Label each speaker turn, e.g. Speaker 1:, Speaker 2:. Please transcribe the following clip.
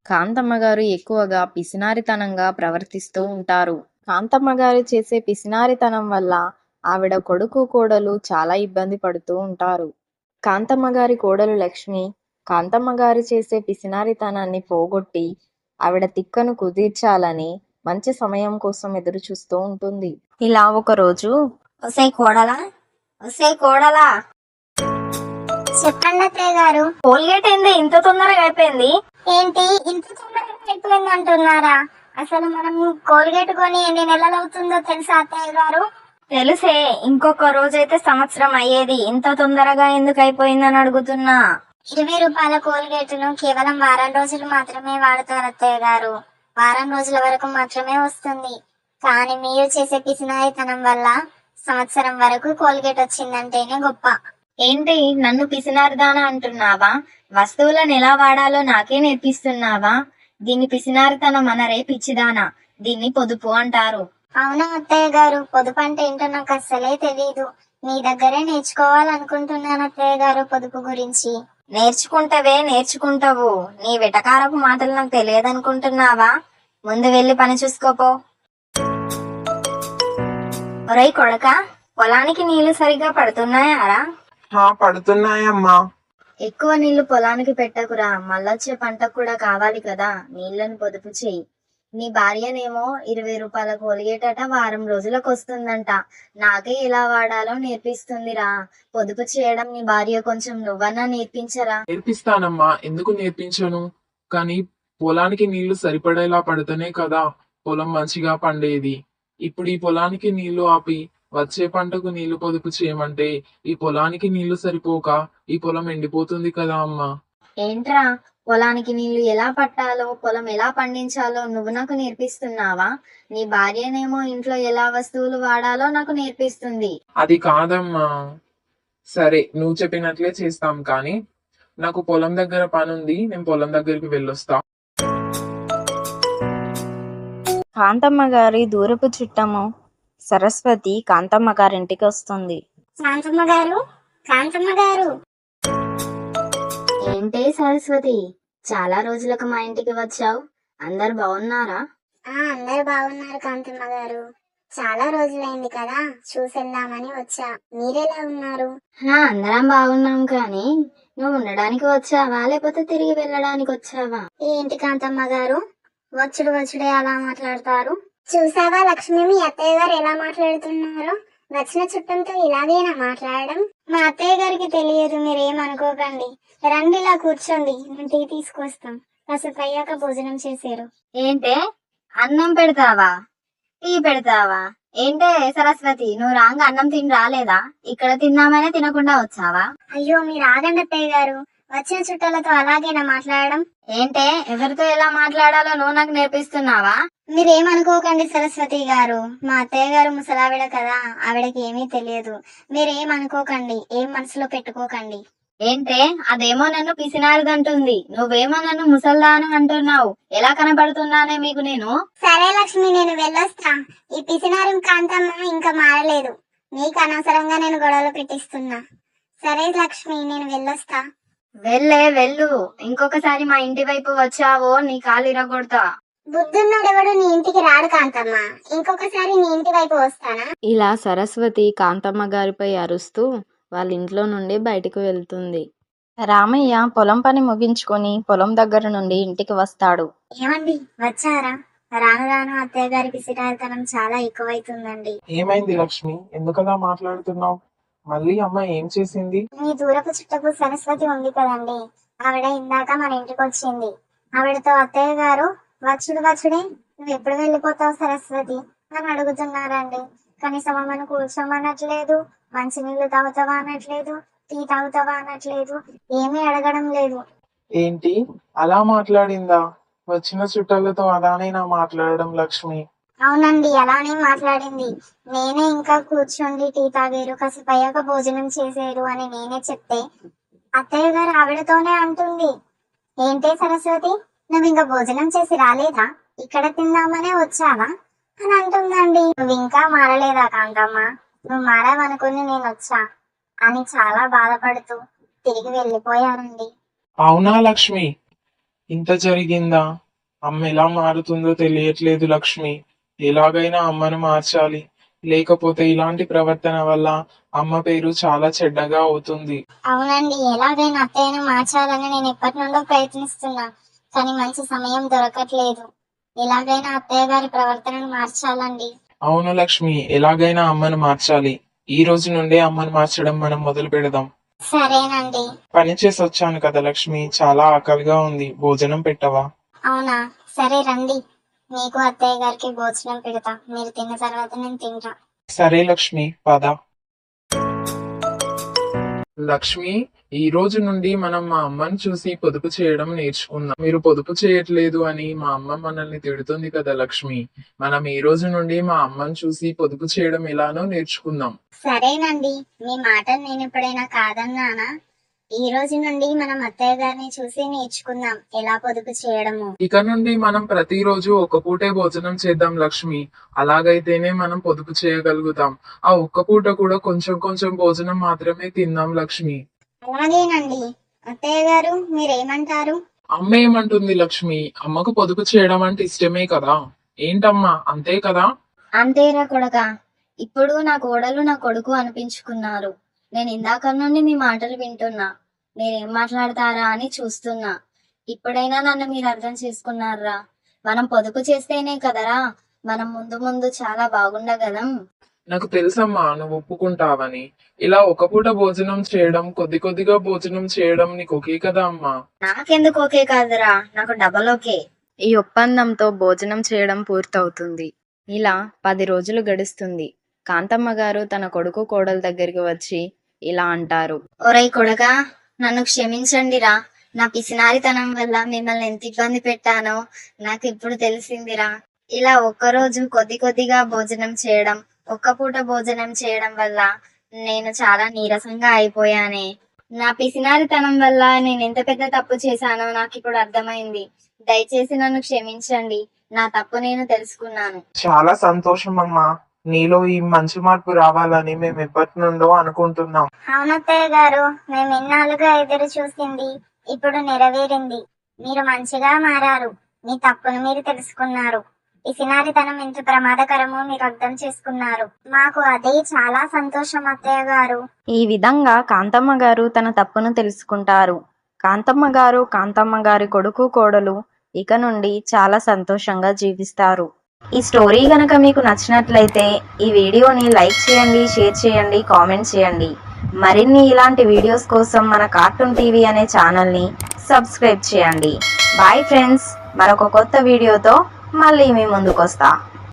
Speaker 1: కాంతమ్మ గారు ఎక్కువగా పిసినారితనంగా ప్రవర్తిస్తూ ఉంటారు. కాంతమ్మ గారు చేసే పిసినారితనం వల్ల ఆవిడ కొడుకు కోడలు చాలా ఇబ్బంది పడుతూ ఉంటారు. కాంతమ్మ గారి కోడలు లక్ష్మి కాంతమ్మ గారు చేసే పిసినారితనాన్ని పోగొట్టి ఆవిడ తిక్కను కుదిర్చాలని మంచి సమయం కోసం ఎదురు చూస్తూ ఉంటుంది. ఇలా ఒకరోజు,
Speaker 2: ఒసే కోడలా, ఒసే కోడలా, చెప్పండి అత్తయ్య గారు. కోల్గేట్ ఏంది ఇంత తొందరగా అయిపోయింది? ఏంటి ఇంత తొందరగా అయిపోయింది అంటున్నారా? అసలు మనం కోల్గేట్ కొని ఎన్ని నెలలు అవుతుందో తెలుసా అత్తయ్య గారు? తెలుసే, ఇంకొక రోజైతే సంవత్సరం అయ్యేది. ఇంత తొందరగా ఎందుకు అయిపోయిందని అడుగుతున్నా. 20 రూపాయల కోల్గేట్ ను కేవలం వారం రోజులు మాత్రమే వాడతారు అత్తయ్య గారు. వారం రోజుల వరకు మాత్రమే వస్తుంది. కానీ మీరు చేసే పిసినారితనం వల్ల సంవత్సరం వరకు కోల్గేట్ వచ్చిందంటేనే గొప్ప. ఏంటి నన్ను పిసినారిదానా అంటున్నావా? వస్తువులను ఎలా వాడాలో నాకే నేర్పిస్తున్నావా? దీన్ని పిసినారితనం అనరే పిచ్చిదానా. దీన్ని పొదుపు అంటారు. అవునా అత్తయ్య గారు, పొదుపు అంటే ఏంటో నాకు అస్సలే తెలీదు. మీ దగ్గరే నేర్చుకోవాలనుకుంటున్నాను అత్తయ్య గారు పొదుపు గురించి. నేర్చుకుంటావు. నీ వెటకారపు మాటలు నాకు తెలియదనుకుంటున్నావా? ముందు వెళ్ళి పని చూసుకోపో. ఒరేయ్ కొడకా, పొలానికి నీళ్లు సరిగ్గా పడుతున్నాయారా?
Speaker 3: పడుతున్నాయమ్మా.
Speaker 2: ఎక్కువ నీళ్లు పొలానికి పెట్టకురా, మళ్ళొచ్చే పంటకు కూడా కావాలి కదా. నీళ్లను పొదుపు చెయ్యి. నీ భార్యనేమో 20 రూపాయల కోలిగేటట వారం రోజులకు వస్తుందంట. నాకే ఎలా వాడాలో నేర్పిస్తుందిరా. పొదుపు చేయడం నీ భార్య కొంచెం నువ్వన్నా నేర్పించరా.
Speaker 3: నేర్పిస్తానమ్మా, ఎందుకు నేర్పించను? కానీ పొలానికి నీళ్లు సరిపడేలా పడితేనే కదా పొలం మంచిగా పండేది. ఇప్పుడు ఈ పొలానికి నీళ్లు ఆపి వచ్చే పంటకు నీళ్లు పొదుపు చేయమంటే ఈ పొలానికి నీళ్లు సరిపోక ఈ పొలం ఎండిపోతుంది కదా అమ్మా.
Speaker 2: ఏంట్రా, పొలానికి నీళ్లు ఎలా పట్టాలో, పొలం ఎలా పండించాలో నువ్వు నాకు నేర్పిస్తున్నావా? నీ భార్యనేమో ఇంట్లో ఎలా వస్తువులు వాడాలో నాకు నేర్పిస్తుంది.
Speaker 3: అది కాదమ్మా. సరే, నువ్వు చెప్పినట్లే చేస్తాం, కానీ నాకు పొలం దగ్గర పని ఉంది, నేను పొలం దగ్గరికి వెళ్ళొస్తా.
Speaker 1: కాంతమ్మ గారి దూరపు చుట్టము సరస్వతి కాంతమ్మ గారింటికి వస్తుంది.
Speaker 2: కాంతమ్మ గారు, కాంతమ్మ గారు. ఏంటే సరస్వతి, చాలా రోజులకు మా ఇంటికి వచ్చావు. అందరు బాగున్నారా? అందరు బాగున్నారు కాంతమ్మ గారు. చాలా రోజులైంది కదా, చూసేద్దామని వచ్చా. మీరెలా ఉన్నారు? అందరం బాగున్నాం, కానీ నువ్వు ఉండడానికి వచ్చావా లేకపోతే తిరిగి వెళ్ళడానికి వచ్చావా? ఏంటి కాంతమ్మ గారు, వచ్చుడే అలా మాట్లాడతారు? చూసావా లక్ష్మి, మీ అత్తయ్య గారు ఎలా మాట్లాడుతున్నారు? వచ్చిన చుట్టంతో ఇలాగేనా మాట్లాడడం? మా అత్తయ్య గారికి తెలియదు, మీరేమనుకోకండి. రండి, ఇలా కూర్చోండి, నేను టీ తీసుకొస్తాం. కాసేపు అయ్యాక భోజనం చేశారు. ఏంటే, అన్నం పెడతావా, టీ పెడతావా? ఏంటే సరస్వతి, నువ్వు రాంగ అన్నం తిని రాలేదా? ఇక్కడ తిన్నామనే తినకుండా వచ్చావా? అయ్యో, మీరు ఆగండి అత్తయ్య గారు. వచ్చిన చుట్టాలతో అలాగేనా మాట్లాడడం? ఏంటే, ఎవరితో ఎలా మాట్లాడాలో నువ్వు నాకు నేర్పిస్తున్నావా? మీరేమనుకోకండి సరస్వతి గారు, మా అత్తయ్య గారు ముసలావిడ కదా, ఆవిడకి ఏమీ తెలియదు. మీరేమనుకోకండి, ఏం మనసులో పెట్టుకోకండి. ఏంటే, అదేమో నన్ను పిసినారిదంటుంది, నువ్వేమో నన్ను ముసల్దాను అంటున్నావు. ఎలా కనబడుతున్నానే మీకు నేను? సరే లక్ష్మి, నేను వెళ్ళొస్తా. ఈ పిసినారి కాంతమ్మ ఇంకా మారలేదు. నీకు అనవసరంగా నేను గొడవలు పెట్టిస్తున్నా. సరే లక్ష్మి, నేను వెళ్ళొస్తా. వెళ్ళు. ఇంకొకసారి మా ఇంటి వైపు వచ్చావో నీ కాలు ఇరగొడతా. బుద్ధున్నోడెవడు నీ ఇంటికి రాడు కాంతమ్మ. ఇంకొకసారి నీ ఇంటి వైపు వస్తానా?
Speaker 1: ఇలా సరస్వతి కాంతమ్మ గారిపై అరుస్తూ వాళ్ళ ఇంట్లో నుండి బయటకు వెళ్తుంది. రామయ్య పొలం పని ముగించుకొని పొలం దగ్గర నుండి ఇంటికి వస్తాడు.
Speaker 2: ఏమండి, వచ్చారా? రాను రాను అత్తయ్య గారి పిసినారితనం చాలా ఎక్కువైతుందండి.
Speaker 3: ఏమైంది లక్ష్మి, ఎందుకలా మాట్లాడుతున్నావు? మళ్ళీ అమ్మ ఏం చేసింది?
Speaker 2: మీ దూరపు చుట్టపు సరస్వతి ఉంది కదండి, ఆవిడ ఇందాక మన ఇంటికి వచ్చింది. ఆవిడతో అత్తయ్య గారు వచ్చుడే నువ్వు ఎప్పుడు వెళ్ళిపోతావు సరస్వతి అని అడుగుతున్నారండి. కనీసం అమ్మను కూర్చోమనట్లేదు, మంచినీళ్ళు తాగుతావా అనట్లేదు, టీ తాగుతావా అనట్లేదు, ఏమీ అడగడం లేదు.
Speaker 3: ఏంటి, అలా మాట్లాడిందా? వచ్చిన చుట్టాలతో అలానేనా మాట్లాడడం లక్ష్మి?
Speaker 2: అవునండి, అలానే మాట్లాడింది. నేనే ఇంకా కూర్చోండి, టీ తాగారు, కాసేపు అయ్యాక భోజనం చేసేరు అని నేనే చెప్తే అత్తయ్య గారు ఆవిడతోనే అంటుంది, ఏంటే సరస్వతి, నువ్వు ఇంకా భోజనం చేసి రాలేదా? ఇక్కడ తిందామనే వచ్చావా అని అంటుందండి. నువ్వు ఇంకా మారలేదా కాంతమ్మ? నువ్వు మారావనుకుని నేను వచ్చా అని చాలా బాధపడుతూ తిరిగి వెళ్ళిపోయారండి.
Speaker 3: అవునా లక్ష్మి, ఇంత జరిగిందా? అమ్మ ఎలా మారుతుందో తెలియట్లేదు లక్ష్మి. ఎలాగైనా అమ్మను మార్చాలి. లేకపోతే ఇలాంటి ప్రవర్తన వల్ల అమ్మ పేరు చాలా చెడ్డగా అవుతుంది.
Speaker 2: అవునండి, ఎలాగైనా అత్తయ్యను మార్చాలని నేను ఎప్పటి నుండో ప్రయత్నిస్తున్నా, కానీ మంచి సమయం దొరకట్లేదు. ఎలాగైనా అత్తయ్య గారి ప్రవర్తనను మార్చాలండి.
Speaker 3: అవును లక్ష్మి, ఎలాగైనా అమ్మను మార్చాలి. ఈ రోజు నుండే అమ్మను మార్చడం మనం మొదలు పెడదాం.
Speaker 2: సరేనండి.
Speaker 3: పని చేసి వచ్చాను కదా లక్ష్మి, చాలా ఆకలిగా ఉంది. భోజనం పెట్టవా?
Speaker 2: అవునా, సరే రండి. మీకు అత్తయ్య గారికి భోజనం పెడతా, మీరు తిన్న తర్వాత నేను తింటా.
Speaker 3: సరే లక్ష్మి, పద. లక్ష్మి, ఈ రోజు నుండి మనం మా అమ్మని చూసి పొదుపు చేయడం నేర్చుకుందాం. మీరు పొదుపు చేయట్లేదు అని మా అమ్మ మనల్ని తిడుతుంది కదా లక్ష్మి. మనం ఈ రోజు నుండి మా అమ్మని చూసి పొదుపు చేయడం ఎలానో నేర్చుకుందాం.
Speaker 2: సరేనండి, మీ మాటలు నేను ఎప్పుడైనా కాదన్నానా? ఈ రోజు నుండి మనం అత్తయ్య గారిని చూసి నేర్చుకుందాం ఎలా పొదుపు చేయడము.
Speaker 3: ఇక నుండి మనం ప్రతిరోజు ఒక పూటే భోజనం చేద్దాం లక్ష్మి. అలాగైతేనే మనం పొదుపు చేయగలుగుతాం. ఆ ఒక్క పూట కూడా కొంచెం కొంచెం భోజనం మాత్రమే తిందాం లక్ష్మి.
Speaker 2: అలాగేనండి. అత్తయ్య గారు మీరేమంటారు?
Speaker 3: అమ్మ ఏమంటుంది లక్ష్మి? అమ్మకు పొదుపు చేయడం అంటే ఇష్టమే కదా. ఏంటమ్మా, అంతే కదా?
Speaker 1: అంతేరా కొడకా, ఇప్పుడు నా కోడలు నా కొడుకు అనిపించుకున్నారు. నేను ఇందాక నుండి మీ మాటలు వింటున్నా, మీరేం మాట్లాడతారా అని చూస్తున్నా. ఇప్పుడైనా నన్ను మీరు అర్థం చేసుకున్నారా? మనం పొదుపు చేస్తేనే కదరా మనం ముందు ముందు చాలా బాగుండగలం.
Speaker 3: నాకు తెలుసమ్మా, నువ్వు ఒప్పుకుంటావని. ఇలా ఒక పూట భోజనం చేయడం, కొద్ది కొద్దిగా భోజనం చేయడం నీకు ఓకే కదా అమ్మా?
Speaker 1: నాకెందుకు ఓకే కాదురా, నాకు డబల్ ఓకే. ఈ ఒప్పందంతో భోజనం చేయడం పూర్తవుతుంది. ఇలా 10 రోజులు గడుస్తుంది. కాంతమ్మ గారు తన కొడుకు కోడల దగ్గరికి వచ్చి ఇలా అంటారు. ఒరేయ్ కొడకా, నన్ను క్షమించండిరా. నా పిసినారితనం వల్ల మిమ్మల్ని ఎంత ఇబ్బంది పెట్టానో నాకు ఇప్పుడు తెలిసిందిరా. ఇలా ఒక్కరోజు కొద్ది కొద్దిగా భోజనం చేయడం, ఒక్క పూట భోజనం చేయడం వల్ల నేను చాలా నీరసంగా అయిపోయానే. నా పిసినారితనం వల్ల నేను ఎంత పెద్ద తప్పు చేశానో నాకు ఇప్పుడు అర్థమైంది. దయచేసి నన్ను క్షమించండి. నా తప్పు నేను తెలుసుకున్నాను.
Speaker 3: చాలా సంతోషం అమ్మా. నీలో ఈ మంచి మార్పు రావాలని మేము ఎప్పటి నుండో అనుకుంటున్నాం.
Speaker 2: అవునత్తయ్య గారు, మేము ఇన్నాళ్ళుగా ఎదురు చూసింది ఇప్పుడు నెరవేరింది. మీరు మంచిగా మారారు. మీ తప్పును మీరు తెలుసుకున్నారు. పిసినారితనం ఎంత ప్రమాదకరమో మీరు అర్థం చేసుకున్నారు. మాకు అదే చాలా సంతోషం అత్తయ్య గారు.
Speaker 1: ఈ విధంగా కాంతమ్మ గారు తన తప్పును తెలుసుకుంటారు. కాంతమ్మ గారు, కాంతమ్మ గారి కొడుకు కోడలు ఇక నుండి చాలా సంతోషంగా జీవిస్తారు. ఈ స్టోరీ గనక మీకు నచ్చినట్లయితే ఈ వీడియోని లైక్ చేయండి, షేర్ చేయండి, కామెంట్ చేయండి. మరిన్ని ఇలాంటి వీడియోస్ కోసం మన కార్టూన్ టీవీ అనే ఛానల్ని సబ్స్క్రైబ్ చేయండి. బాయ్ ఫ్రెండ్స్, మరొక కొత్త వీడియోతో మళ్ళీ మీ ముందుకు వస్తా.